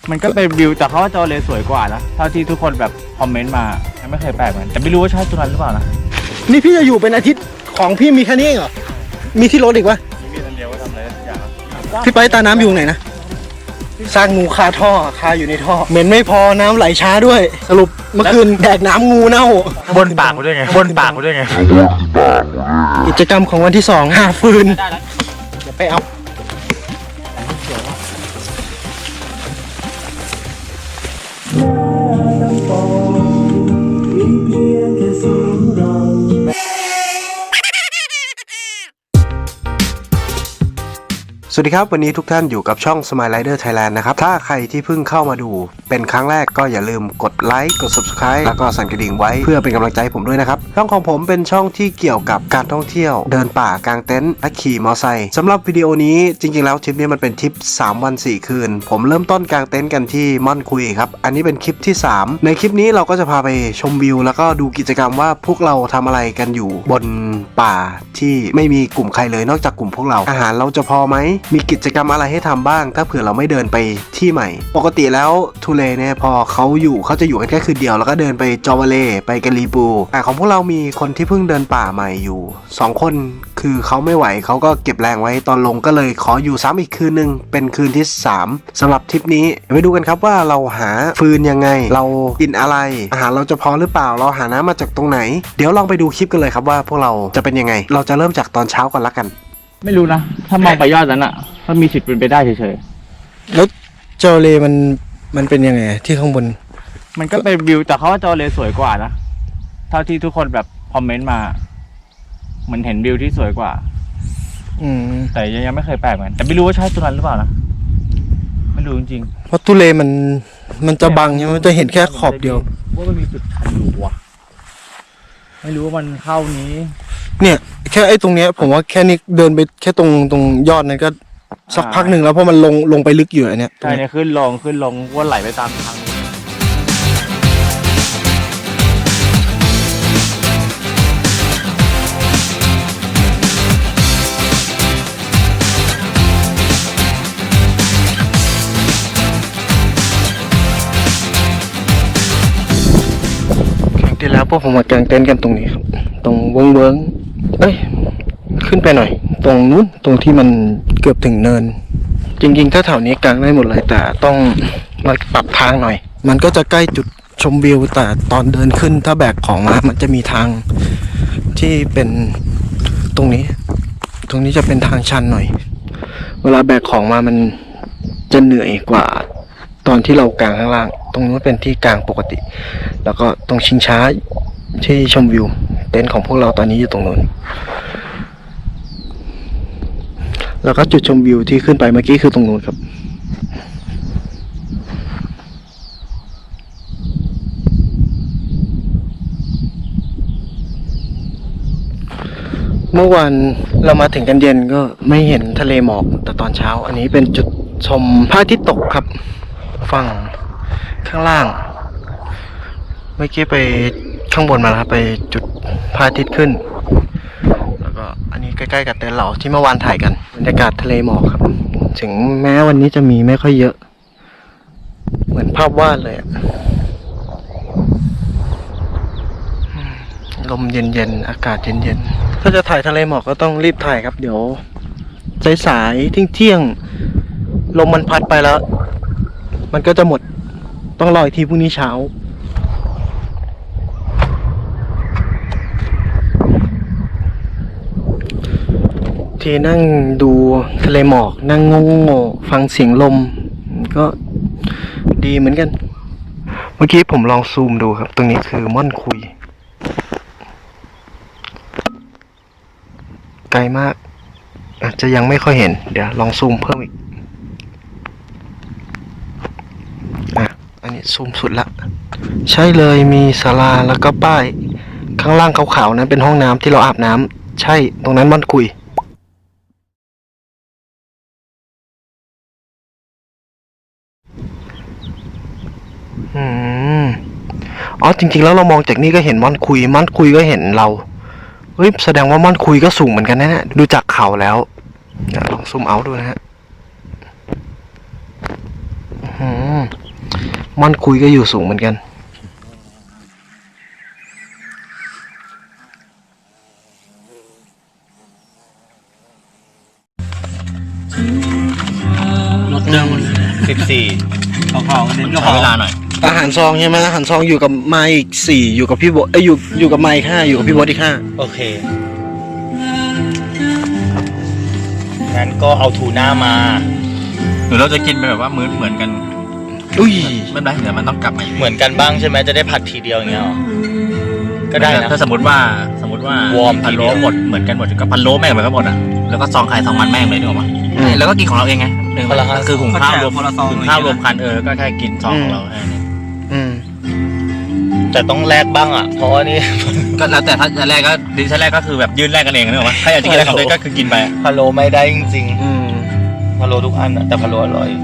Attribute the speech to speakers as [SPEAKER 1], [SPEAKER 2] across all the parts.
[SPEAKER 1] มันก็เป็นวิวแต่เขาว่าจอเลสวยกว่านะเท่าที่ทุกคนแบบคอมเมนต์มาไม่เคยแปลกเหมือนแต่ไม่รู้ว่าใช่ตัวนั้นหรือเปล่านะ
[SPEAKER 2] นี่พี่จะอยู่เป็นอาทิตย์ของพี่มีแค่นี้เองเหรอมีที่รถอีกวะ
[SPEAKER 1] มีอันเดียวว่าทำอะไรทุกอย่าง
[SPEAKER 2] พี่ไปตาน้ำอยู่ไหนนะสร้างงูคาท่อคาอยู่ในท่อเหม็นไม่พอน้ำไหลช้าด้วยสรุปเมื่อคืนแดกน้ำงูเน่า
[SPEAKER 1] บนปากกูด้วยไงบนปากกูด้วยไง
[SPEAKER 2] กิจกรรมของวันที่2หาฟืนเดี๋ยวไปเอาสวัสดีครับวันนี้ทุกท่านอยู่กับช่อง Smile Rider Thailand นะครับถ้าใครที่เพิ่งเข้ามาดูเป็นครั้งแรกก็อย่าลืมกดไลค์กด Subscribe แล้วก็สั่นกระดิ่งไว้เพื่อเป็นกำลังใจผมด้วยนะครับช่องของผมเป็นช่องที่เกี่ยวกับการท่องเที่ยวเดินป่ากางเต็นท์และขี่มอเตอร์ไซค์สำหรับวิดีโอนี้จริงๆแล้วทริปนี้มันเป็นทริป3 วัน 4 คืนผมเริ่มต้นกางเต็นท์กันที่ม่อนคุยครับอันนี้เป็นคลิปที่3ในคลิปนี้เราก็จะพาไปชมวิวแล้วก็ดูกิจกรรมว่าพวกเราทำอะไรกันอยู่บนป่าที่ไม่มีกลุ่มใครเลยนอกจากกลุ่มพวกเราอาหารเราจะพอไหมมีกิจกรรมอะไรให้ทำบ้างถ้าเผื่อเราไม่เดินไปที่ใหม่ปกติแล้วทุเลเนี่ยพอเขาจะอยู่กันแค่คืนเดียวแล้วก็เดินไปจอวาเลไปกะลีปูแต่ของพวกเรามีคนที่เพิ่งเดินป่าใหม่อยู่2 คนคือเขาไม่ไหวเขาก็เก็บแรงไว้ตอนลงก็เลยขออยู่ซ้ำอีกคืนนึงเป็นคืนที่3สำหรับทริปนี้ไปดูกันครับว่าเราหาฟืนยังไงเรากินอะไรอาหารเราจะพอหรือเปล่าเราหาน้ำมาจากตรงไหนเดี๋ยวลองไปดูคลิปกันเลยครับว่าพวกเราจะเป็นยังไงเราจะเริ่มจากตอนเช้าก่อนละกัน
[SPEAKER 1] ไม่รู้นะถ้ามองไปยอดนั้นอ่ะก็มีสิทธิ์เป็นไปได้เฉย
[SPEAKER 2] ๆแล้วจอเลมันเป็นยังไงที่ข้างบน
[SPEAKER 1] มันก็เป็นวิวแต่เขาว่าจอเลสวยกว่านะเท่าที่ทุกคนแบบคอมเมนต์มาเหมือนเห็นวิวที่สวยกว่าแต่ยังไม่เคยแปลกเหมือนแต่ไม่รู้ว่าใช่ตัวนั้นหรือเปล่านะไม่รู้จริง
[SPEAKER 2] ๆเพราะทุเลมันจะบังใช่ไหมมันจะเห็นแค่ขอบเดียว
[SPEAKER 1] ว่ามันมีจุดชันอยู่ว่ะไม่รู้ว่ามันเข้านี้
[SPEAKER 2] เนี่ยแค่ไอ้ตรงเนี้ยผมว่าแค่นี้เดินไปแค่ตรงยอดนั้นก็สักพักหนึ่งแล้วเพราะมันลงไปลึกอยู่อันเนี้ย
[SPEAKER 1] ใช่เนี่ยขึ้นลงว่าไหลไปตามทาง
[SPEAKER 2] ครั้งที่แล้วพวกผมมากางเต็นท์กันตรงนี้ครับตรงเวิ้งเอ้ยขึ้นไปหน่อยตรงนู้นตรงที่มันเกือบถึงเนินจริงๆถ้าแถวนี้กางได้หมดเลยแต่ต้องมาปรับทางหน่อยมันก็จะใกล้จุดชมวิวแต่ตอนเดินขึ้นถ้าแบกของมามันจะมีทางที่เป็นตรงนี้จะเป็นทางชันหน่อยเวลาแบกของมามันจะเหนื่อยกว่าตอนที่เรากางข้างล่างตรงนู้นเป็นที่กางปกติแล้วก็ตรงชิงช้าที่ชมวิวเต็นท์ของพวกเราตอนนี้อยู่ตรงนู้นแล้วก็จุดชมวิวที่ขึ้นไปเมื่อกี้คือตรงนู้นครับเมื่อวานเรามาถึงกันเย็นก็ไม่เห็นทะเลหมอกแต่ตอนเช้าอันนี้เป็นจุดชมพระอาทิตย์ตกครับฝั่งข้างล่างเมื่อกี้ไปข้างบนมาแล้วไปจุดพระอาทิตย์ขึ้นแล้วก็อันนี้ใกล้ๆกับเต็นท์เราที่เมื่อวานถ่ายกันบรรยากาศทะเลหมอกครับถึงแม้วันนี้จะมีไม่ค่อยเยอะเหมือนภาพวาดเลยลมเย็นๆอากาศเย็นๆถ้าจะถ่ายทะเลหมอกก็ต้องรีบถ่ายครับเดี๋ยวสายๆเที่ยงลมมันพัดไปแล้วมันก็จะหมดต้องรออีกทีพรุ่งนี้เช้าที่นั่งดูทะเลหมอกนั่งงงฟังเสียงลมก็ดีเหมือนกันเมื่อกี้ผมลองซูมดูครับตรงนี้คือม่อนคุยไกลมากอาจจะยังไม่ค่อยเห็นเดี๋ยวลองซูมเพิ่มอีกอันนี้ซูมสุดละใช่เลยมีศาลาแล้วก็ป้ายข้างล่างขาวๆนั้นเป็นห้องน้ำที่เราอาบน้ำใช่ตรงนั้นม่อนคุยอ๋อจริงๆแล้วเรามองจากนี่ก็เห็นม่อนคุยก็เห็นเราเฮ้ยแสดงว่าม่อนคุยก็สูงเหมือนกันนะเนี่ยดูจากเขาแล้วลองซูมเอาดูนะฮะม่อนคุยก็อยู่สูงเหมือนกันรถเดิมหมดเลย
[SPEAKER 1] 14เขาเน้นก็ขอเวลาหน่อย
[SPEAKER 2] อาหารซองใช่ไหมอาหารซองอยู่กับไมค์อีก4อยู่กับพี่โบอยู่กับไมค์5อยู่กับพี่โบอีก5
[SPEAKER 3] โอเคงั้นก็เอาทูน่ามา
[SPEAKER 1] หรือเราจะกินไปแบบว่ามื้อเหมือนกัน
[SPEAKER 2] อุ้ย
[SPEAKER 1] ไม่เป็นไรเดี๋ยวมันต้องกลับมา
[SPEAKER 3] เหมือนกันบ้างใช่ไหมจะได้ผัดทีเดียวอย่างเงี้ยหรอก็ได้นะ
[SPEAKER 1] ถ้าสมมติว่าว
[SPEAKER 3] อร์มที
[SPEAKER 1] พะ
[SPEAKER 3] เดี
[SPEAKER 1] โล้
[SPEAKER 3] ยว
[SPEAKER 1] หมดเหมือนกันหมดก็พะโล้แม่งเหมือนกันหมดอ่ะแล้วก็ซองไข่ซองมันแม่งเลยนึกออกปะแล้วก็กินของเราเองไงก็คือหุงข้าวรวมกันก็แค่กินซองของเราแค่นี้
[SPEAKER 3] แต่ต้องแลกบ้างอ่ะเพราะว่านี่
[SPEAKER 1] ก็แล้วแต่ถ้าจะแรกก็ดิฉันแรกก็คือแบบยื่นแรกกันเองนึกออกปะถ้าอยากจะกินอะไรของตัวเองก็คือกินไป
[SPEAKER 3] พะโล้ไม่ได้จริงๆพะโล้ทุกอันอะแต่พะโล้อร่อย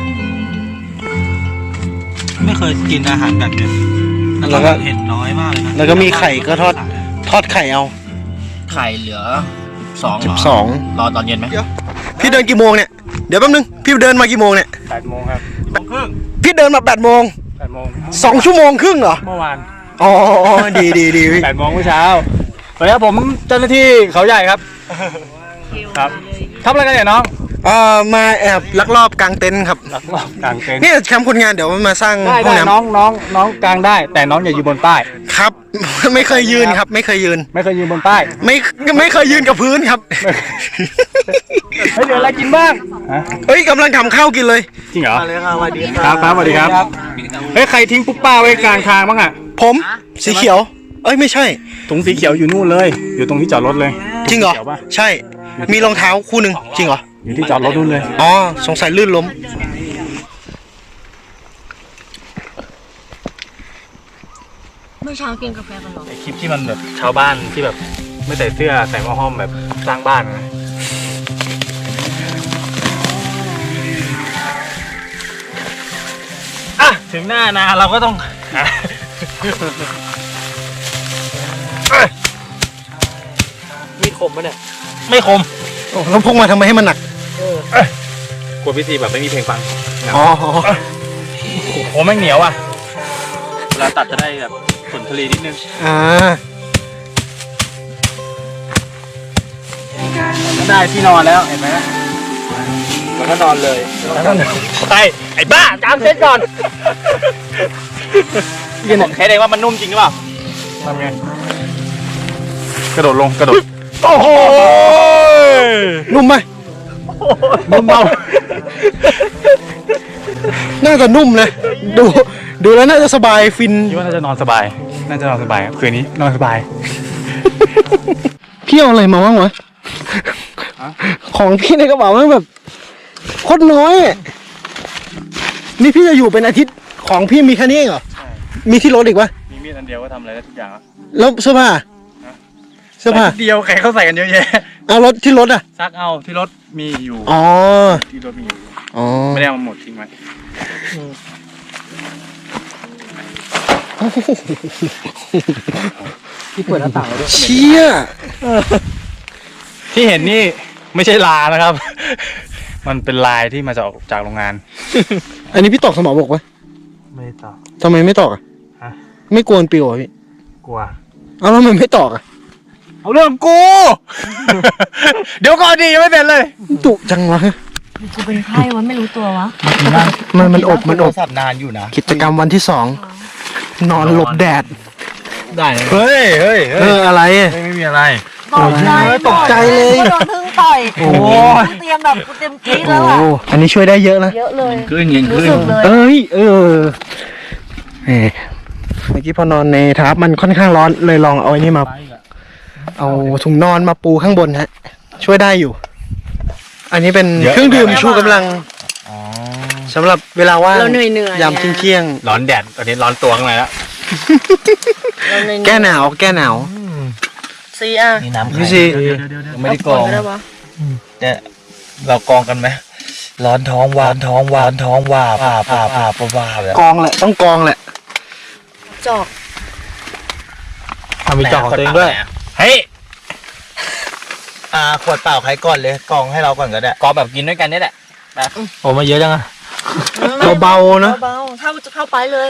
[SPEAKER 4] ไม่เคยกินอาหารแบบนี้แล้วก็เห็นน้อยมากเลยนะ
[SPEAKER 2] แล้วก็มีไข่ก็ทอดไข่เอา
[SPEAKER 1] ไข่เหลือ12
[SPEAKER 2] 12
[SPEAKER 1] รอตอนเย็นไหม
[SPEAKER 2] พี่เดินกี่โมงเนี่ยเดี๋ยวแป๊บนึงพี่เดินมากี่โมงเนี่ย
[SPEAKER 1] 8 โมงครับ
[SPEAKER 2] พี่เดินมา8 โมง
[SPEAKER 1] 8 โมง
[SPEAKER 2] 2 ชั่วโมงครึ่งเหรอ
[SPEAKER 1] เมื่อวาน
[SPEAKER 2] อ๋อดีพี่
[SPEAKER 1] 8 โมงเมื่อเช้าสวัสดีครับผมเจ้าหน้าที่เขาใหญ่ครับครับทำอะไรกันเนี่ยน้อง
[SPEAKER 2] มาแอบลักลอบกางเต็นท์ครับ
[SPEAKER 1] ลักลอบกางเต็นท์
[SPEAKER 2] นี่แคมป์คนงานเดี๋ยวมันมาสร้าง
[SPEAKER 1] ได้
[SPEAKER 2] ห้องน้
[SPEAKER 1] น้องกางได้ แต่น้องอย่ายืนบนป้าย
[SPEAKER 2] ำครับ ไม่เคยยืนครับ ไม่เคยยืน
[SPEAKER 1] ไม่เคยยืนบนป้าย
[SPEAKER 2] ไม่เคยยืนกับพื้นครับ
[SPEAKER 1] เฮ้ยเดี๋ยวอะไรกินบ้าง
[SPEAKER 2] เฮ้ยกำลังทำข้าวกินเลย
[SPEAKER 1] จริงเหรอ
[SPEAKER 3] มาเลยค่ะสวัสดี
[SPEAKER 1] ครับสวัสดีครับเฮ้ยใครทิ้งปุ๊บป้าไว้กลางทางบ้างอ่ะ
[SPEAKER 2] ผมสีเขียว เอ้ยไม่ใช่
[SPEAKER 1] ถุงสีเขียวอยู่นู่นเลย อยู่ตรงที่จอดรถเลย
[SPEAKER 2] จริงเหรอ
[SPEAKER 1] สีขียวปะ
[SPEAKER 2] ใช่ มีรองเท้าคู่หนึ่งจริงเหรอ
[SPEAKER 1] อยู่ที่จอดรถนู่นเลย
[SPEAKER 2] อ๋อสงสัยลื่นล้ม
[SPEAKER 5] เมื่อเช้ากินกาแฟกันหรอ
[SPEAKER 1] ไอคลิปที่มันแบบชาวบ้านที่แบบไม่ใส่เสื้อใส่หม้อห้อมแบบสร้างบ้านนะอ่ะถึงหน้านาเราก็ต้องมีคมปะเนี่ยไม่คม
[SPEAKER 2] โอ้แล้วพกมาทำไมให้มันหนัก
[SPEAKER 1] กลัวพี่ซีแบบไม่มีเพลงฟัง
[SPEAKER 2] อ๋อ
[SPEAKER 1] โอ้แม่งเหนียวอ่ะเวลาตัดจะได้แบบผลผลิตนิดนึง ได้ที่นอนแล้วเห็นไหมแล้วก็นอนเลยไอ้บ้าจามเซ็ตก่อนพี่ผมแค่เองว่ามันนุ่มจริงหรือเปล่าทำไงกระโดดลงกระโดดโอ้โห
[SPEAKER 2] นุ่มไหม
[SPEAKER 1] นุ่มเบา
[SPEAKER 2] น่าจะนุ่มเลยดูแล้วน่าจะสบายฟิน
[SPEAKER 1] คิดว่าน่าจะนอนสบายครับคืนนี้นอนสบาย
[SPEAKER 2] พี่เอาอะไรมาบ้างวะของพี่ในกระเป๋ามันแบบโคตรน้อยอะนี่พี่จะอยู่เป็นอาทิตย์ของพี่มีแค่นี้เองเหรอมีที่รถอีกวะ
[SPEAKER 1] มีมีดอันเดียวก็ทำอะไรได้ทุกอย่างแล้ว
[SPEAKER 2] แล้วเสื้อผ้า
[SPEAKER 1] เดียวใครเขาใส่กันเยอะแยะ
[SPEAKER 2] เอารถที่รถอ่ะ
[SPEAKER 1] ซักเอาที่รถมีอยู่
[SPEAKER 2] อ๋อ
[SPEAKER 1] ที่รถมีอยู่
[SPEAKER 2] อ๋อ
[SPEAKER 1] ไม่ได้เอามาหมดทิ้งไว้
[SPEAKER 2] ที่เปิดหน้าต่างด้วยเชี่ย
[SPEAKER 1] ที่เห็นนี่ไม่ใช่ลานะครับ มันเป็นลายที่มาจากโรงงาน
[SPEAKER 2] อันนี้พี่ตอกสมองบอกปะ
[SPEAKER 1] ไม่ตอบ
[SPEAKER 2] ทำไมไม่ตอกอ่ะ
[SPEAKER 1] ฮะ
[SPEAKER 2] ไม่กวนปิวอ่ะพี่
[SPEAKER 1] กลัว
[SPEAKER 2] เอาแล้วมันไม่ตอกอ่ะ
[SPEAKER 1] เอาเรื่องกู เดี๋ยวก่อนดิยังไม่เป็นเลย
[SPEAKER 2] ตุจังวะ
[SPEAKER 5] กูเป็นไข้วะไม่รู้ตัววะ
[SPEAKER 2] มันอบ
[SPEAKER 3] โทรศัพท์นานอยู่นะ
[SPEAKER 2] กิจกรรมวันที่2นอนหลบแดด
[SPEAKER 1] ได้
[SPEAKER 3] เฮ้ย
[SPEAKER 2] อะไร
[SPEAKER 1] ไม่มีอะไร
[SPEAKER 5] ตกใจเลย โดนพึ่งต่อย
[SPEAKER 2] โอ้
[SPEAKER 5] กูเตรียมแบบกูเตรียมกรี๊ด
[SPEAKER 2] โอ้
[SPEAKER 5] แล้วอ่ะ
[SPEAKER 2] อันนี้ช่วยได้เยอะนะ
[SPEAKER 5] เยอะเลย
[SPEAKER 1] ขึ้นยิง
[SPEAKER 5] รู้
[SPEAKER 1] ขึ้น
[SPEAKER 5] สึกเลย
[SPEAKER 2] เมื่อกี้พอนอนในทับมันค่อนข้างร้อนเลยลองเอาไอ้นี่มา เอาถุงนอนมาปูข้างบนฮะ ช่วยได้อยู่ อันนี้เป็นเครื่องดื่มชูกำลังสำหรับเวลาว่าง
[SPEAKER 5] เราเหนื่อยๆ
[SPEAKER 2] ยามเที่ยง
[SPEAKER 1] ร้อนแดดตอนนี้ร้อนตัวข้างในแล้ว
[SPEAKER 2] แก้หนาวแก้หนาว
[SPEAKER 5] ซีอ่ะ
[SPEAKER 3] นี่น้ำ
[SPEAKER 2] พี่
[SPEAKER 3] ไข่
[SPEAKER 2] ซี
[SPEAKER 3] ยังไม่ได้กรอง
[SPEAKER 5] ได้ปะ
[SPEAKER 3] เนี่ยเรากรองกันไหมร้อนท้องวานท้องว่าผ่าแบบ
[SPEAKER 2] กองแหละต้องกองแหละ
[SPEAKER 5] จอก
[SPEAKER 1] มีจอของตัวเองด้วย เฮ้ย
[SPEAKER 3] ขวดเปล่าใครก่อนเลยกรองให้เราก่อนก็ได้
[SPEAKER 1] กอแบบกินด้วยกันนี่แหละโอ้มาเยอะจังอะ
[SPEAKER 2] เบาๆนะ
[SPEAKER 5] เบาๆถ้าจะเข้าไปเลย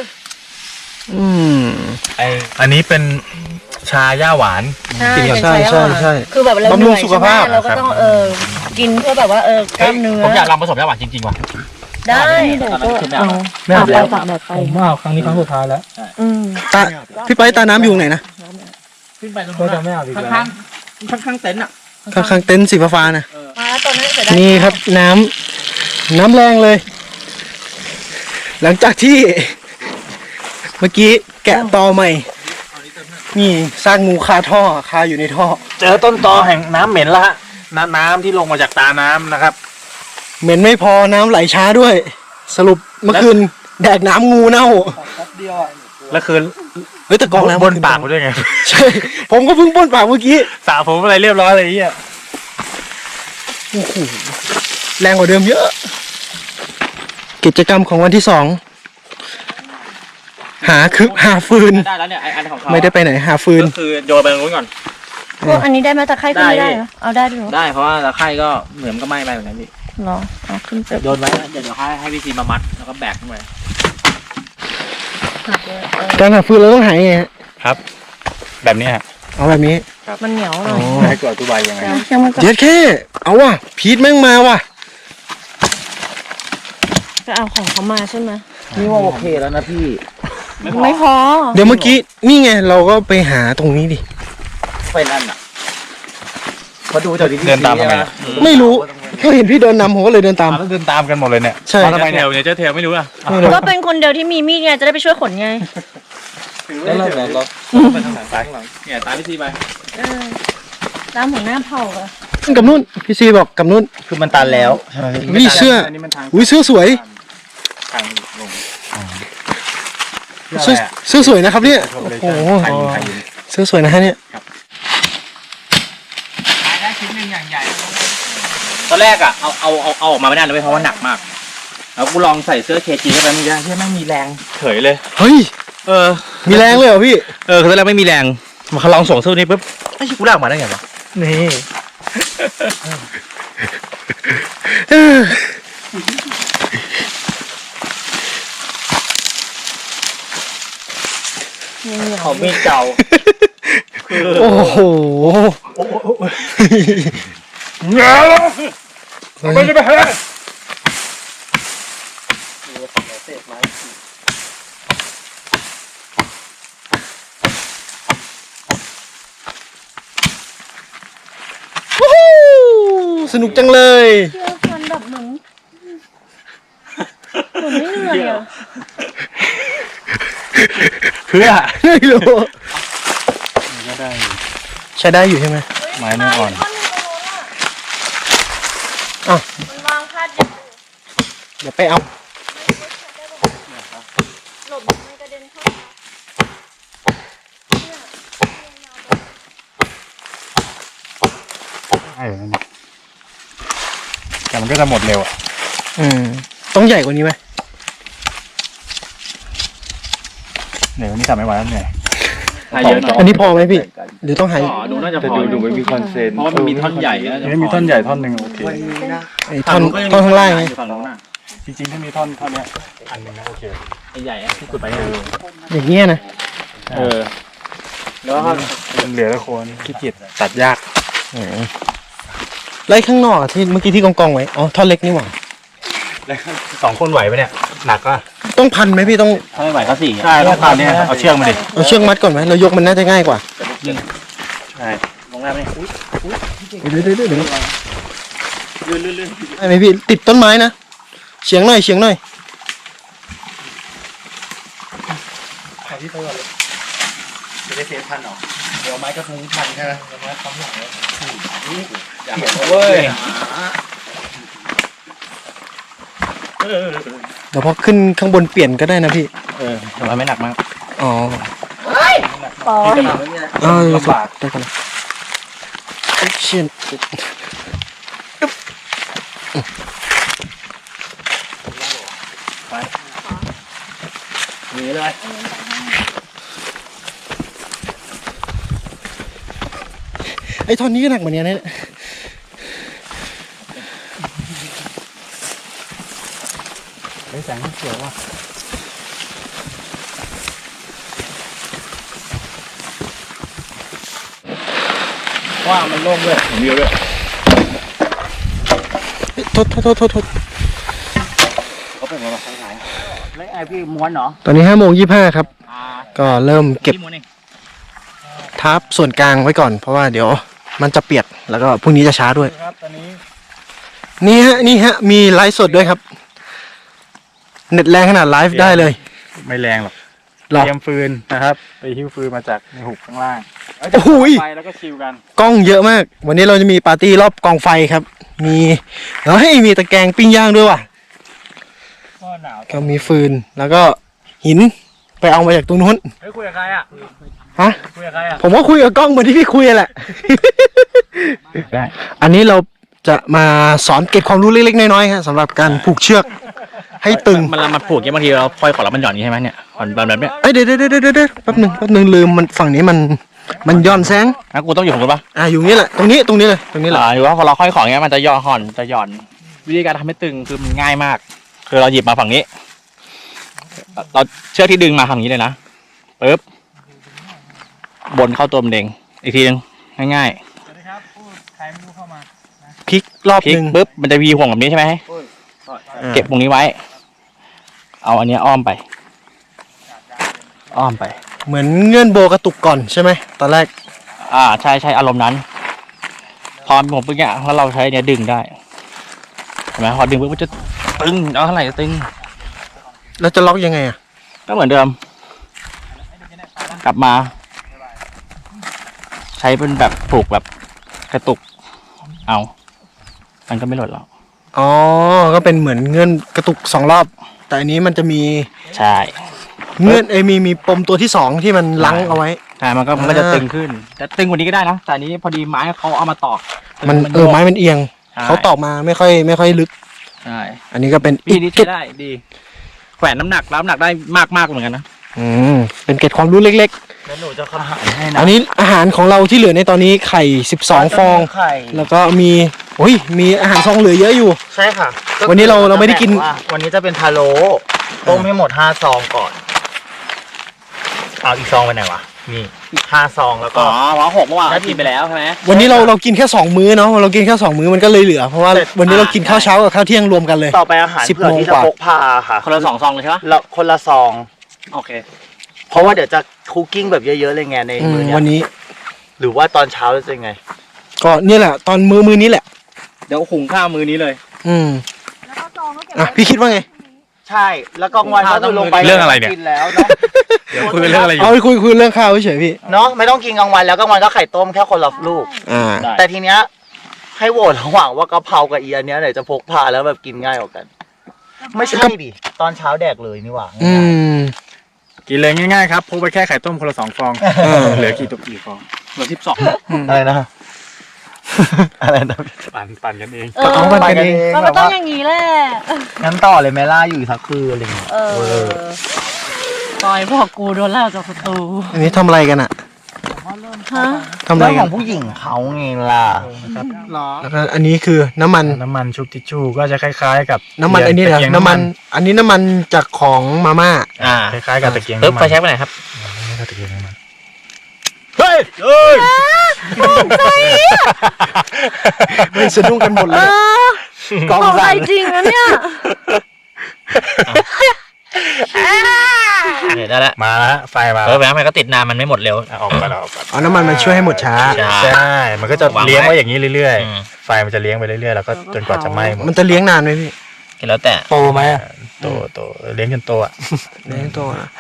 [SPEAKER 1] อันนี้เป็นชาย่าหวาน
[SPEAKER 5] ใช่
[SPEAKER 2] ใช่ใช่ใช่
[SPEAKER 5] คือแบบเรา
[SPEAKER 2] บำรุงสุขภาพ
[SPEAKER 5] เราก็ต้องกินเพื่อแบบว่ากล้ามเนื้อ
[SPEAKER 1] ผมอยากลองผสมย่าหวานจริงๆว่ะ
[SPEAKER 5] ได้เดี๋ยวก็เอา
[SPEAKER 4] ไม่เอาแล้ว
[SPEAKER 5] ฝากแบบไป
[SPEAKER 4] ผมว่าครั้งนี้ครั้งสุดท้ายแล้ว
[SPEAKER 2] ตาพี่ไปตาน้ำอยู่ไหนนะ
[SPEAKER 4] ก็จะไม่เอาอีกแล้ว
[SPEAKER 1] ข้างเต็นท์อ่ะ
[SPEAKER 2] ข้างๆเต็นท์สีฟ้าๆนะ
[SPEAKER 5] มาแล้วตอนนั้นเสียดาย
[SPEAKER 2] นี่ครับน้ำแรงเลย หลังจากที่ เมื่อกี้แกะตอใหม่ นี่ซากงูคาท่อคาอยู่ในท่อ
[SPEAKER 1] เจอต้นตอแห่งน้ำเหม็นแล้วฮะน้ำที่ลงมาจากตาน้ำนะครับ
[SPEAKER 2] เหม็นไม่พอน้ำไหลช้าด้วย สรุปเมื่อคืนแดกน้ำงูเน่า
[SPEAKER 1] แล้วคือ
[SPEAKER 2] เฮ้ยแต่กองแล้ว
[SPEAKER 1] บนปากไปด้วยไง
[SPEAKER 2] ใช่ ผมก็เพิ่งป้นปากเมื่อกี้
[SPEAKER 1] สระผมอะไรเรียบร้อยเลยไอ้เหี้ย
[SPEAKER 2] แรงกว่าเดิมเยอะ กิจกรรมของวันที่ 2 หาฟืน
[SPEAKER 1] ได้แล้วเนี่ยอันของเขา
[SPEAKER 2] ไม่ได้ไปไหนหาฟืน
[SPEAKER 1] ก็คือโยนไปตรงนู้นก่อน
[SPEAKER 5] พวกอันนี้ได้ไหมตะไคร้ขึ้นไม่ได้เหรอเอาได้ด้วยเหรอ
[SPEAKER 1] ได้เพราะว่าตะไคร่ก็เหมือนก็ไหม้ไปเหมือนกันพี่
[SPEAKER 5] เหรอเอาขึ้นไป
[SPEAKER 1] โยนไว้เดี๋ยวให้พี่ซีมามัดแล้วก็แบกขึ้นไป
[SPEAKER 2] การหาฟืนเราต้องหายังไงฮะ
[SPEAKER 1] ครับ แบบนี้ฮะ
[SPEAKER 2] เอาแบบนี้
[SPEAKER 5] มันเหนียวหน่อย
[SPEAKER 1] ให้กดตัวใบยังไง
[SPEAKER 5] เดี๋ยวเชื่อมันก่อน
[SPEAKER 2] เจ็ดแค่เอาว่ะพีทแม่งมาว่ะ
[SPEAKER 5] จะเอาของเขามาใช่ไหม
[SPEAKER 1] นี่ว่าโอเคแล้วนะพี่
[SPEAKER 5] ไม่พอ
[SPEAKER 2] เดี๋ยวเมื่อกี้นี่ไงเราก็ไปหาตรงนี้ดิ
[SPEAKER 1] ไปนั่นอ่ะมาดูจากที่เดินตามทำไม
[SPEAKER 2] ไม่รู้เขาเห็นพี่เดินนำผมก็เลยเดินตาม
[SPEAKER 1] เดินตามกันหมดเลยเนี่ย
[SPEAKER 2] ใช่
[SPEAKER 1] ทำไมเนี่ยเจ้าเทลไม่รู้อ่ะ
[SPEAKER 2] ไม่รู้
[SPEAKER 5] ก็เป็นคนเดียวที่มีมีดไงจะได้ไปช่วยขนไง
[SPEAKER 1] แล้วเราไปทางไหนซ้ายข้างหลังเนี่ยตามพี่ซีไป
[SPEAKER 5] ตามหัวหน้าเผ่าอะ
[SPEAKER 2] กับนุ่นพี่ซีบอกกับนุ่น
[SPEAKER 1] คือมันตันแล้วใช่ไหม
[SPEAKER 2] วิเสื้ออุ้ยเสื้อสวย
[SPEAKER 1] ทางลง
[SPEAKER 2] เสื้อสวยนะครับเนี่ยโอ้โหเสื้อสวยนะฮะเนี่ย
[SPEAKER 1] ได้ชิ้นหนึ่งอย่างใหญ่ตอนแรกอ่ะเอาออกมาไม่ได้เลยเพราะว่าหนักมากแล้วกูลองใส่เสื้อเคจีเข้าไปไม่ได้ที่แม่งมีแรงเฉยเลย
[SPEAKER 2] เฮ้ย มีแรงเลยเหรอพี่
[SPEAKER 1] คือตอนแรกไม่มีแรงมาลองส่งเสื้อนี้ปุ๊บไอ้ชิกูลากมาได้ไงวะ
[SPEAKER 2] นี่
[SPEAKER 1] ของมีเก่า
[SPEAKER 2] โอ้โห
[SPEAKER 1] ไม่ได้ไปฮะ
[SPEAKER 2] สนุกจังเลย
[SPEAKER 5] เชื่อฟันแบบเหมือนไม่เหนื่อยอะ
[SPEAKER 1] เพื่อ
[SPEAKER 2] ไม่รู้
[SPEAKER 1] ก็ได้
[SPEAKER 2] ใช้ได้อยู่ใช่ไหม
[SPEAKER 1] ไม้เนื้ออ่อน
[SPEAKER 2] อ้าว
[SPEAKER 5] มันวางพาดอยู่
[SPEAKER 2] เดี๋ยวไปเอา
[SPEAKER 5] หลบไม่กระเด็นเข้ามา
[SPEAKER 1] ใช่นั่นแต่มันก็จะหมดเร็วอ่ะ
[SPEAKER 2] ต้องใหญ่กว่านี้ไหม
[SPEAKER 1] เหนื่อยวันนี้ทำไม่ไหวแล้วเหนื่อย
[SPEAKER 2] อันนี้พอไหมพี่ หรือต้องหาย
[SPEAKER 1] ดูน่าจะพอดูไม่มีคอนเซนเพราะว่ามันมีท่อนใหญ่มีท่อนใหญ่ท่อนหนึ่งโอเค
[SPEAKER 2] ไอ้ท่อนข้างล่างไง
[SPEAKER 1] จริงๆถ้ามีท่อนเนี้ยอันหนึ่งนะโอเคใหญ่ที่ขุดไป
[SPEAKER 2] อย่างเงี้ยนะ
[SPEAKER 1] แล้วก็เหลือละคนขี้เกียจตัดยาก
[SPEAKER 2] ไล่ข้างนอกอะที่เมื่อกี้ที่กองไว้ อ๋อ ท่อนเล็กนี่หว่า
[SPEAKER 1] 2 คนไหวไหมเนี่ยหนักก็
[SPEAKER 2] ต้องพันไหมพี่ต้อง
[SPEAKER 1] ถ้าไม่ไหวก็4ใช่ต้องพันเนี่ยเอาเชือกมาดิ
[SPEAKER 2] เอาเชือกมัดก่อนไหมเรายกมันน่าจะง่ายกว่า
[SPEAKER 1] ใช่ลงน้ำนี่
[SPEAKER 2] เดี๋ยวได้ไหมพี่ติดต้นไม้นะเฉียงหน่อยเฉียงหน่อย
[SPEAKER 1] จะได้เซฟพันหรอเดี๋ยวไม้ก็คงพันใช่ไหมไม้ปั๊มหลังแล้วอยากเห็นเว้ย
[SPEAKER 2] เดี๋ยวพอขึ้นข้างบนเปลี่ยนก็ได้นะพี่
[SPEAKER 1] แต่ว่าไม่หนักมาก
[SPEAKER 2] อ๋อ
[SPEAKER 5] ปอย
[SPEAKER 2] ลำบากได้กันเชี่ย
[SPEAKER 1] หนีเลย
[SPEAKER 2] ไอ้ท่อนนี้ก็หนักเหมือนกันนะเนี่ย
[SPEAKER 1] สงเขียวว่ะว่ามันโล่งด้วยเห็นวิวด้วย
[SPEAKER 2] โทษ
[SPEAKER 1] เขาเป็นมาทางไหนแล้วไอพี่ม้วนเหรอ
[SPEAKER 2] ตอนนี้5:25ครับ ก็เริ่มเก็บ
[SPEAKER 1] พี่ม้วนเอง
[SPEAKER 2] ทับส่วนกลางไว้ก่อนเพราะว่าเดี๋ยวมันจะเปียกแล้วก็พรุ่งนี้จะช้าด้วย
[SPEAKER 1] ครับตอนนี้
[SPEAKER 2] นี่ฮะมีไลฟ์สดด้วยครับ เน็ตแรงขนาดไลฟ์ได้เลย
[SPEAKER 1] ไม่แรงหรอก
[SPEAKER 2] หรอ
[SPEAKER 1] เตรียมฟืนนะครับ ไปหิ้วฟืนมาจากในหุบข้างล่าง
[SPEAKER 2] โอ้โหย
[SPEAKER 1] ไปแล้วก็ชิลกัน
[SPEAKER 2] กล้องเยอะมาก วันนี้เราจะมีปาร์ตี้รอบกองไฟครับ มีตะแกรงปิ้งย่างด้วยว่ะ
[SPEAKER 1] ก็หนาว
[SPEAKER 2] ก็มีฟืนแล้วก็หินไปเอามาจากตรงนู้น
[SPEAKER 1] เฮ้ยคุยกับใครอ่ะ
[SPEAKER 2] ฮะ
[SPEAKER 1] คุยกับใครอ่ะ
[SPEAKER 2] ผมก็คุยกับกล้องเหมือนที่พี่คุยแหละ
[SPEAKER 1] ได้
[SPEAKER 2] อันนี้เราจะมาสอนเก็บความรู้เล็กๆน้อยๆครับสำหรับการผูกเชือกให้ตึง
[SPEAKER 1] มันผูกอย่างบางทีเราพลอยขอแล้วมันหย่อนอย่างนี้ใช่ไหมเนี่ยขอนแบบเนี้ย
[SPEAKER 2] เอ้ยเดี๋ยวแป๊บหนึ่งลืมมันฝั่งนี้มันย้อนแสง
[SPEAKER 1] งั้นกูต้องอยู่ของกูปะ
[SPEAKER 2] อยู่นี่แหละตรงนี้เลยตรงนี้แหละ
[SPEAKER 1] หรือว่าพอเราค่อยของเงี้ยมันจะย่อห่อนจะหย่อน วิธีการทำให้ตึงคือมันง่ายมาก คือเราหยิบมาฝั่งนี้ เราเชือกที่ดึงมาฝั่งนี้เลยนะปึ๊บบนเข้าตัวมันเองอีกทีนึงง่ายๆสวัสดีครับพูดใครไม่รู้เข้ามา
[SPEAKER 2] พลิกรอบ
[SPEAKER 1] พลิก
[SPEAKER 2] หนึ่ง
[SPEAKER 1] ปึ๊บมันจะวีห่วงแบบนี้ใช่ไหมเก็บตรงนี้ไว้ เอาอันเนี้ยอ้อมไป
[SPEAKER 2] เหมือนเงื่อนโบกระตุกก่อนใช่ไหมตอนแรก
[SPEAKER 1] ใช่อารมณ์นั้น พอผมปึ๊กเนี่ยแล้วเราใช้เนี้ยดึงได้เห็นไหมพอดึงปึ๊บมันจะตึงเอาเท่าไหร่จะตึง
[SPEAKER 2] แล้วจะล็อกยังไงอ่ะ
[SPEAKER 1] ก็เหมือนเดิม กลับมา ใช้เป็นแบบผูกแบบกระตุก มันก็ไม่หล่นหรอก
[SPEAKER 2] อ๋อก็เป็นเหมือนเงื่อนกระตุก2 รอบ แต่อันนี้มันจะมี
[SPEAKER 1] ใช่
[SPEAKER 2] เงื่อนมีปมตัวที่2ที่มันลังเอาไว้
[SPEAKER 1] ใช่มันก็จะตึงขึ้นแต่ตึงกว่านี้ก็ได้นะแต่อันนี้พอดีไม้เขาเอามาตอก
[SPEAKER 2] มันไม้มันเอียง
[SPEAKER 1] ใช่
[SPEAKER 2] เขาตอกมาไม่ค่อยลึก
[SPEAKER 1] ใช่
[SPEAKER 2] อันนี้ก็เป็น
[SPEAKER 1] วิธีนี้ใช้ได้ดีแขวนน้ำหนักรับน้ำหนักได้มากเหมือนกันนะ
[SPEAKER 2] เป็นเกร็ดความรู้เล็ก
[SPEAKER 1] แล้วหนูจะคำหายให้
[SPEAKER 2] ๆ
[SPEAKER 1] นะ
[SPEAKER 2] อันนี้อาหารของเราที่เหลือในตอนนี้ไข่12 ฟอง
[SPEAKER 3] ไข่
[SPEAKER 2] แล้วก็มีอาหารซองเหลือเยอะอยู่
[SPEAKER 3] ใช่ค่ะ
[SPEAKER 2] วันนี้เราไม่ได้กิน
[SPEAKER 3] วันนี้จะเป็นพะโล้ต้มให้หมด5 ซองก่อนเอาอีกซองไปไหนวะนี่อีก5 ซองแล้วก็
[SPEAKER 1] หมอหกเมื่อวานกินไปแล้วใช่ไหม
[SPEAKER 2] วันนี้เรากินแค่2 มื้อเนาะเรากินแค่2 มื้อมันก็เลยเหลือเพราะว่าวันนี้เรากินข้าวเช้ากับข้าวเที่ยงรวมกันเลย
[SPEAKER 3] ต่อไปอาหาร
[SPEAKER 2] 10
[SPEAKER 3] เผื่อที่จะ
[SPEAKER 2] โมงกว่า
[SPEAKER 3] พกพาค่ะ
[SPEAKER 1] คนละ2 ซองเลยใช่ปะ
[SPEAKER 3] แล้วคนละซอง
[SPEAKER 1] โอเค
[SPEAKER 3] เพราะว่าเดี๋ยวจะคุกกิ้งแบบเยอะๆเลยไงในมื้อเนี้ย
[SPEAKER 2] วันนี้
[SPEAKER 3] หรือว่าตอนเช้าจะเป็นไง
[SPEAKER 2] ก็เนี่ยแหละตอนมื้อนี้แหละ
[SPEAKER 1] เดี๋ยวหุงข้าวมื้อนี้เลย
[SPEAKER 5] แล้วก็ซองก็เก็บ
[SPEAKER 2] อ่ะ
[SPEAKER 5] ไว้
[SPEAKER 2] พี่คิดว่าไง
[SPEAKER 3] ใช่แล้วกลางวันก็คือลงไป
[SPEAKER 1] เรื่องอะไรเนี่ย
[SPEAKER 3] กินแล้วเนาะ
[SPEAKER 1] เดี๋ยวคุยเรื่องอะไรอยู่
[SPEAKER 2] เอาไปคุยเรื่องข้าวเฉยๆพี่
[SPEAKER 3] เนาะไม่ต้องกินกลางวันแล้วกลางวันก็ไข่ต้มแค่คนละลูก
[SPEAKER 1] ได้
[SPEAKER 3] แต่ทีเนี้ยให้โหวตระหว่างว่ากะเพรากับอีอันเนี้ยไหนจะพกพาแล้วแบบกินง่ายกว่ากัน ไม่ใช่ดิตอนเช้าแดกเลยนี่หว่า
[SPEAKER 1] กินเลยง่ายๆครับพกไปแค่ไข่ต้มคนละ2 ฟองเหลือกี่ฟองเหลือ12
[SPEAKER 3] อะไรนะ อะไรนะ
[SPEAKER 1] ปั่นกันเอง
[SPEAKER 2] เอามันกันเอง
[SPEAKER 5] มันก็ต้องอย่างนี้แหละ
[SPEAKER 3] งั้นต่อเลยไหมล่าอยู่อีกสักคืนอะไรเงี้ย
[SPEAKER 5] ปล่อยพวกกูโดนเล่าจากประตู
[SPEAKER 2] อันนี้ทำอะไรกันอะ
[SPEAKER 5] ฮะ
[SPEAKER 2] ทำอะไร
[SPEAKER 3] เรื่องข
[SPEAKER 2] กั
[SPEAKER 3] อน งผู้หญิงเขาไงล่ะ
[SPEAKER 2] แล้วก็อันนี้คือน้ำมัน
[SPEAKER 1] น้ำมันชุบทิชชู่ก็จะคล้ายๆกับ
[SPEAKER 2] น้ำมันอันนี้เหรอน้ำมัน อันนี้น้ำมันจากของมาม่า
[SPEAKER 1] คล้ายๆกับตะเกียง
[SPEAKER 3] ปึ๊บ
[SPEAKER 1] น้ำ
[SPEAKER 3] ไป
[SPEAKER 1] มัน
[SPEAKER 3] ใช้ไปไหนครับ
[SPEAKER 1] ตะเกียงน้ำมันเฮ้ย
[SPEAKER 2] สะดุ้งกันหมดเลย
[SPEAKER 5] กองใจจริงนะเนี่ย
[SPEAKER 3] เนี่ยได้แล้ว
[SPEAKER 1] มาแล้วไฟมา
[SPEAKER 3] แม่มันก็ติดนานมันไม่หมดเร็ว
[SPEAKER 1] ออกไปแล้ว
[SPEAKER 2] เอาน้ำมันมาช่วยให้หมดช้า
[SPEAKER 1] ใช่มันก็จะเลี้ยงไว้อย่างนี้เรื่อย
[SPEAKER 3] อืม
[SPEAKER 1] ๆไฟมันจะเลี้ยงไปเรื่อยๆแล้วก็จนกว่าจะไหม้หมด
[SPEAKER 2] มันจะเลี้ยงนานไหมพี่
[SPEAKER 3] แล้วแต่
[SPEAKER 1] โตไหมโตเลี้ยงจนโตอ่ะ
[SPEAKER 2] เลี้ยงตัวนะ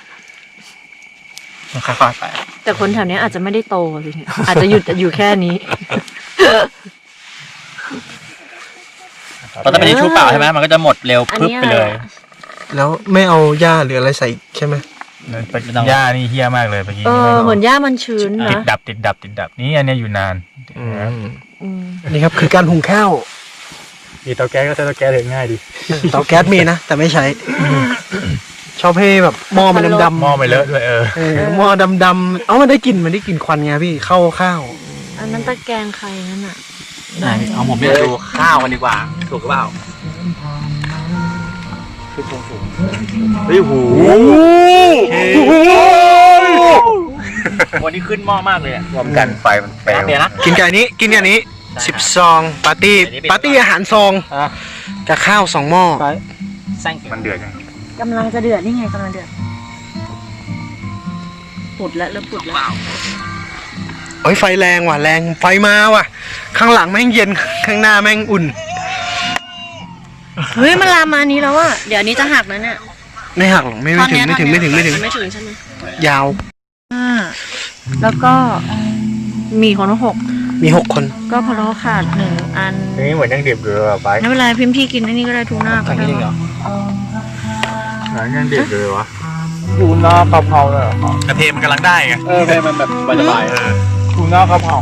[SPEAKER 3] ค่อยๆไป
[SPEAKER 5] แต่คนแถวนี้อาจจะไม่ได้โตสิอาจจะหยุดอยู่แค่นี้
[SPEAKER 3] เพราะถ้าไม่ได้ชูเปล่าใช่ไหมมันก็จะหมดเร็ว
[SPEAKER 5] อัน
[SPEAKER 3] ปึ๊บ
[SPEAKER 5] นี้
[SPEAKER 3] ไปเลย
[SPEAKER 2] แล้วไม่เอาหญ้าหรืออะไรใส่อีกใช่ไหม
[SPEAKER 1] หญ้านี่เฮี้ยมากเลยเมื่อกี้
[SPEAKER 5] เหมือนหญ้ามันชื้น
[SPEAKER 1] ติด
[SPEAKER 5] นะ
[SPEAKER 1] ดับนี่อันนี้อยู่นาน
[SPEAKER 5] อืม
[SPEAKER 2] นี่ครับคือการหุงข้าว
[SPEAKER 1] มีเตาแก๊สก็ใช้เตาแก๊สเลยง่ายดี
[SPEAKER 2] เตาแก๊สมีนะ แต่ไม่ใช้ ชอบให้แบบหม้อมันดำ
[SPEAKER 1] หม้อไม่เลอะด้วย
[SPEAKER 2] หม้อดำๆมันได้กลิ่นควันไงพี่เข้าข้าว
[SPEAKER 5] อันนั้นตะแกรงใครนั่นอ่ะ
[SPEAKER 3] เอาผมไปดูข้าวกันดีกว่า ถูกหรือเปล่า
[SPEAKER 1] เฮ้ยหูวันนี้ขึ้นหม้อมากเลยรวมกันไฟมันแปลวนะ
[SPEAKER 2] กินกันนี้กินกันนี้10 ซองปาร์ตี้อาหารซองกับข้าว2 หม้อ
[SPEAKER 1] มันเดือดยัง
[SPEAKER 5] กำลังจะเดือดนี่ไงกำลังเดือดปุดแล้วเริ่มปุดแล้ว
[SPEAKER 2] โอ้ยไฟแรงว่ะแรงไฟมาว่ะ ข้างหลังแม่งเย็นข้างหน้าแม่งอุ่น
[SPEAKER 5] เฮ้ยมันลามมานี้แล้วอะเดี๋ยวนี้จะหักแล้วเนี่ย
[SPEAKER 2] ไม่หักหรอกไม่ถึงไม่ถึง
[SPEAKER 5] ไม่ถึงใช่ไหม
[SPEAKER 2] ยาว
[SPEAKER 5] แล้วก็มีคนละ6
[SPEAKER 2] มี6 คน
[SPEAKER 5] ก็พะโล้ขาด1 อัน
[SPEAKER 1] นี่เหมือนยังดิบอยู่เลยไป
[SPEAKER 5] ไม่เป็นไรพิมพ์พี่กินอันนี้ก็ได้ทูน่าก็ได้
[SPEAKER 1] ยังดิบอยู่เลยวะทูน่ากะเพราเลยเหรอก
[SPEAKER 4] ระเทียมมันกำลังได้ไง
[SPEAKER 1] เพลมันแบบสบายทูน่ากะเพรา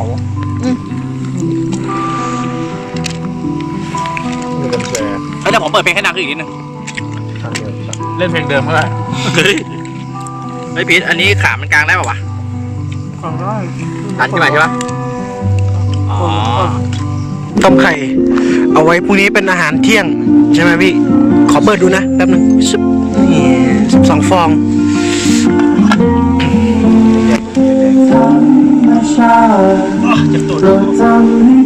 [SPEAKER 1] เฮ้ยแต่ผมเปิดเพลงให้ดังขึ้นอีกนิดนึงเล่นเพลงเดิมก็ได้
[SPEAKER 4] เฮ้ยพีทอันนี้ขามันกลางได้ป่าวะ
[SPEAKER 1] ทันใช่ไหมใช่ปะ
[SPEAKER 4] อ๋อ
[SPEAKER 2] ต้มไข่เอาไว้พรุ่งนี้เป็นอาหารเที่ยงใช่ไหมพี่ขอเปิดดูนะแป๊บนึงซึบนี่12 ฟอง
[SPEAKER 4] เจ็บตูด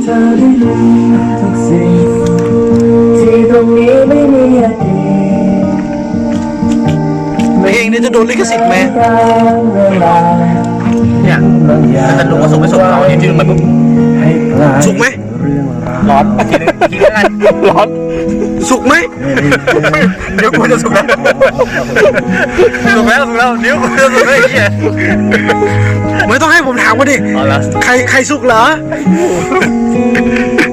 [SPEAKER 2] เพลงนี้จะโดนลิขสิทธิ์ไหม
[SPEAKER 1] เนี่ยแต่ลุงก็ส่งไปส่งเราเนี่ยที่ลุงมาปุ๊บ
[SPEAKER 2] สุกไหม
[SPEAKER 1] ร้อนทีนึงแล้วกันร้อน
[SPEAKER 2] สุกไหม
[SPEAKER 1] เดี๋ยวกูจะสุกแล้วสุกแล้วเดี๋ยวกูจะสุกแล้วไอ้เหี้ย
[SPEAKER 2] ไม่ต้องให้ผมถามว่าดิ
[SPEAKER 1] เอาละ
[SPEAKER 2] ใครสุกเหรอ